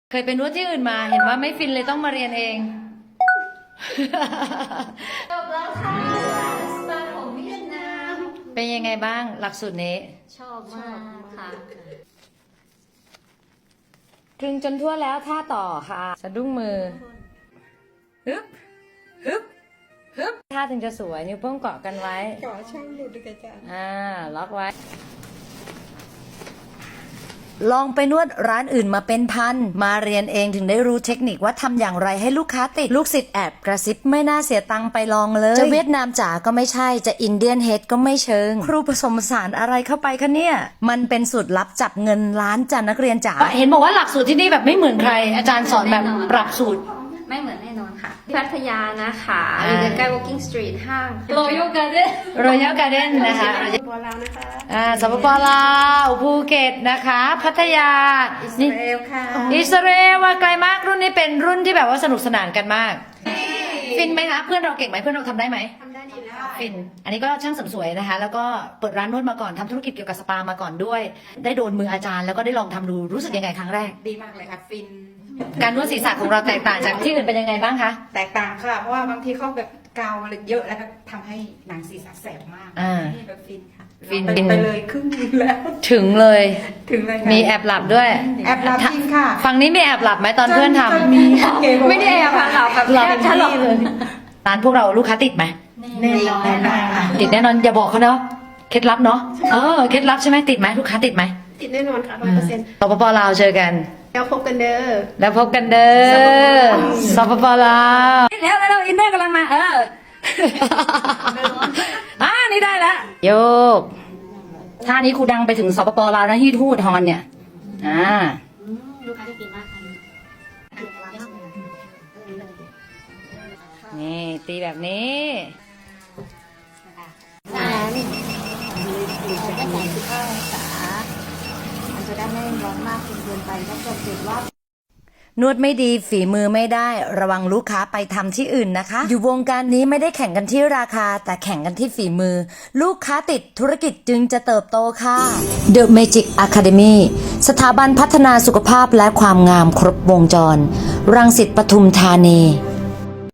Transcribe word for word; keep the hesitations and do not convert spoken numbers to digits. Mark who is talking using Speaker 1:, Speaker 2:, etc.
Speaker 1: เคยไปนวดที่อื่นมาเห็นว่าไม่ฟินเลยต้องมาเรียนเอง
Speaker 2: จบแล้วค่ะสปาของเวียดนาม
Speaker 1: เป็นยังไงบ้างหลักสูตรนี้
Speaker 2: ชอบมากค่ะ
Speaker 1: คลึงจนทั่วแล้วท่าต่อค่ะสะดุ้งมือฮึบฮึบฮึบท่าถึงจะสวยนิ้วโป้งเกาะกันไว้
Speaker 3: เกาะช่างหลุดด้วยกันจ้ะ
Speaker 1: อ่าล็อกไว้ลองไปนวดร้านอื่นมาเป็นพันมาเรียนเองถึงได้รู้เทคนิคว่าทำอย่างไรให้ลูกค้าติดลูกศิษย์แอบกระซิบไม่น่าเสียตังค์ไปลองเลยจะเวียดนามจ๋าก็ไม่ใช่จะอินเดียนเฮดก็ไม่เชิงครูผสมผสานอะไรเข้าไปคะเนี่ยมันเป็นสูตรลับจับเงินล้านจ้ะนักเรียนจ๋าเห็นบอกว่าหลักสูตรที่นี่แบบไม่เหมือนใครอาจารย์สอนแบบปรับสูตร
Speaker 2: ไม่เหมือนแน่นอนค่ะพัทยานะคะอยู่ใกล้ Walking Street ห้าง
Speaker 1: Royal Garden Royal Garden นะคะ
Speaker 2: บัวลาวนะคะ
Speaker 1: อ่าสปปลาวภูเก็ตนะคะพัทยา
Speaker 2: อิสราเอลค่ะ
Speaker 1: อิสราเอลว่าไกลมากรุ่นนี้เป็นรุ่นที่แบบว่าสนุกสนานกันมากฟินไหมคะเพื่อนเราเก่งไหมเพื่อนเราทำได้ไหม
Speaker 2: ทำได้ดีแล้ว
Speaker 1: ฟินอันนี้ก็ช่างเสริมสวยนะคะแล้วก็เปิดร้านนวดมาก่อนทำธุรกิจเกี่ยวกับสปามาก่อนด้วยได้โดนมืออาจารย์แล้วก็ได้ลองทำดูรู้สึกยังไงครั้งแรก
Speaker 3: ดีมากเลยค่ะฟิน
Speaker 1: การนวดศีรษะของเราแตกต่างจากที่อื่นเป็นยังไงบ้างคะ
Speaker 3: แตกต่างค่ะเพราะว่าบางทีเขาแบบกาวอะไรเยอะแล้วก็ทำให้หนังศีรษะแสบมากนี่แบบฟินค่ะ
Speaker 1: ฟิน
Speaker 3: ไปเลยครึ่งนึงแล้ว
Speaker 1: ถึงเลย
Speaker 3: ถึงเลย
Speaker 1: มีแอบหลับด้วย
Speaker 3: แอบหลับจริงค่ะ
Speaker 1: ฝั่งนี้มีแอบหลับไหมตอนเพื่อนทำ
Speaker 2: ไม่ได้แอบค่ะแบบ
Speaker 1: หลับ
Speaker 2: ฉลบ
Speaker 1: เลยร้านพวกเราลูกค้าติดไหม
Speaker 3: แน่นอนแน่นอน
Speaker 1: ติดแน่นอนอย่าบอกเขาเนาะเคล็ดลับเนาะเออเคล็ดลับใช่ไหมติดไหมลูกค้าติดไหม
Speaker 2: ติดแน่นอนค่ะร้อยเปอร์เซ็นต์
Speaker 1: สปปลาวเจอกัน
Speaker 2: แล้วพบกันเด้อ
Speaker 1: แล้วพบกันเด้อสปปลาวแล้วแล้วอินเนอร์กำลังมาเอออ่านี่ได้แล้วโยกท่านี้ครูดังไปถึงสปปลาวนะที่ทูตฮอนเนี่ยอ่า
Speaker 2: ลูกค้าได้กินมากค่ะ
Speaker 1: นี่ตีแบบนี้
Speaker 2: อ่านี่หลีกจะได้แสงสิบห้าองศามันจะได้ไม่ร้อนมากจนเกินไปถ้าเกิดเกิดว่าน
Speaker 1: วดไม่ดีฝีมือไม่ได้ระวังลูกค้าไปทำที่อื่นนะคะอยู่วงการนี้ไม่ได้แข่งกันที่ราคาแต่แข่งกันที่ฝีมือลูกค้าติดธุรกิจจึงจะเติบโตค่ะ The Magic Academy สถาบันพัฒนาสุขภาพและความงามครบวงจรรังสิตปทุมธานี